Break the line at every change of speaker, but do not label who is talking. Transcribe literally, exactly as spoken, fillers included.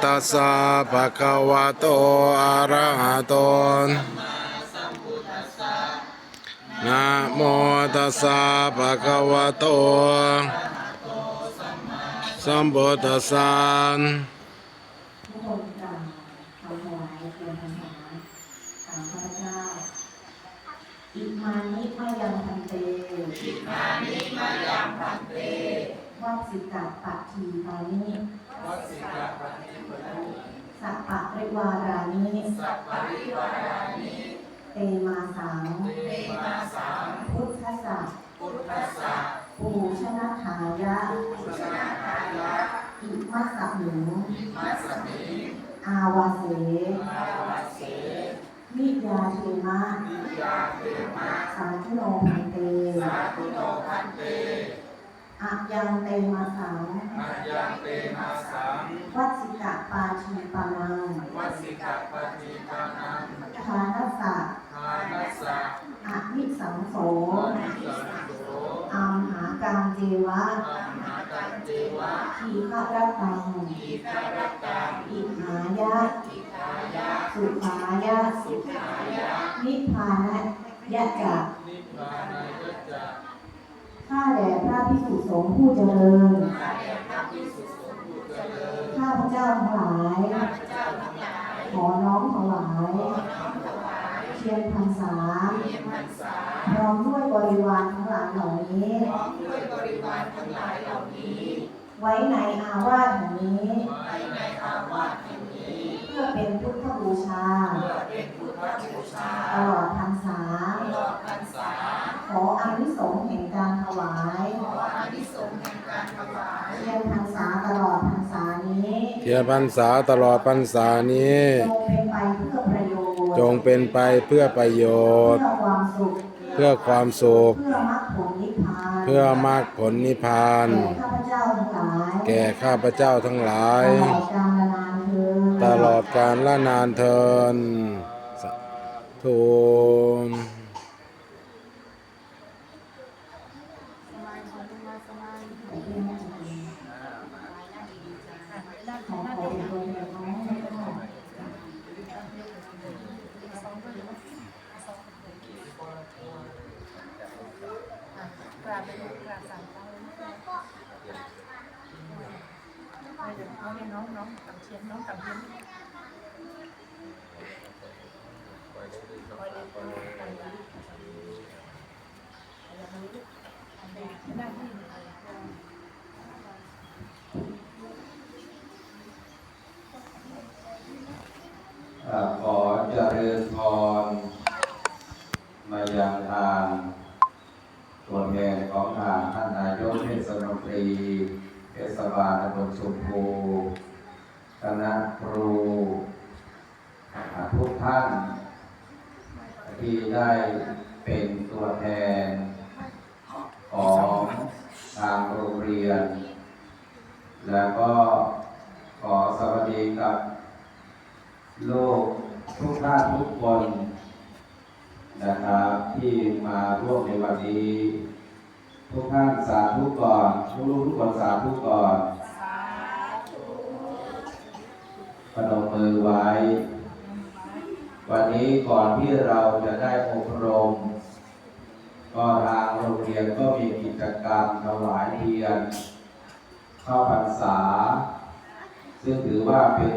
ตัสสะภะคะวะโตอะระหะโตนะโมตัสสะภะคะวะโตสัมพุทธัสสะ
ทุกคนกล่าวคำถวายเทียนพรรษาตามข้าพเจ้าอิมานิมายังพันเตอิมานิมายังพันเตวัดสิกะปัตถีปานิวัดสิกะปัตถีปานิสัปปะริวารานิสัปปะริวารานิเตมาสังเตมาสังพุทธัสสะพุทธัสสะปูชนะทายะปูชนะทายะอิมัสสมิงอิมัสสมิงอาวาเสอาวาเสวิยาเทมะวิยาเทมะสาธุโนพันเตสาธุโนพันเตอะยังเตมาสังอะยังเตมาสังวัดสิกะปาชีปานังวัดสิกะปาชีปานังทานัสสะทานัสสะอะนิสังโสอะนิสังโสอัมหากังเจวะอัมหากังเจวะทีฆะรัตตังทีฆะรัตตังอิหายะอิหายะสุขายะสุขายะนิพพานยะจะนิพพานยะจะข้าแด่พระภิกษุสงฆ์ผู้เจริญข้าแด่พระภิกษุสงฆ์ผู้เจริญข้าพเจ้าทั้งหลายข้าพเจ้าทั้งหลายขอน้อมถวายขอน้อมถวายเทียนพรรษาเทียนพรรษาพร้อมด้วยบริวารทั้งหลายเหล่านี้พร้อมด้วยบริวารทั้งหลายเหล่านี้ไว้ในอาวาสแห่งนี้ไว้ในอาวาสแห่งนี้เพื่อเป็นพุทธบูชาเพื่อเป็นพุทธบูชาตลอดพรรษาตลอดพรรษาขออานิสงส์แห่งการถวายขออานิสงส์แห่งการถวายเทียนพรรษาตลอดพรรษานี้
เทียนพรรษาตลอดพรรษานี้จงเป็นไปเพื่อประโยชน์เพื่อความสุขเพื่อมรรคผลนิพพานแก่ข้าพเจ้าทั้งหลายตลอดกาลละนานเทินสาธุ
กราบไปลูกกราบสามครั้งเดี๋ยวเอาให้น้องน้องตังเชียนน้องตังเชียนคอยเลยคอยตังเชียนหน้าที่
ขอเจริญพรมายังทางตัวแทนของทางท่านนายกเทศมนตรีเทศบาลตำบลสุโขคณะครูทุกท่านที่ได้เป็นตัวแทนของทางโรงเรียนแล้วก็ขอสวัสดีกับลูกทุกท่านทุกคนนะครับที่มาร่วมในวันนี้ทุกท่านสาธุก่อนทุกลูกทุกคนสาธุก่อนพนมมือไว้วันนี้ก่อนที่เราจะได้อบรมก็ทางโรงเรียนก็มีกิจกรรมถวายเทียนเข้าพรรษาซึ่งถือว่าเป็น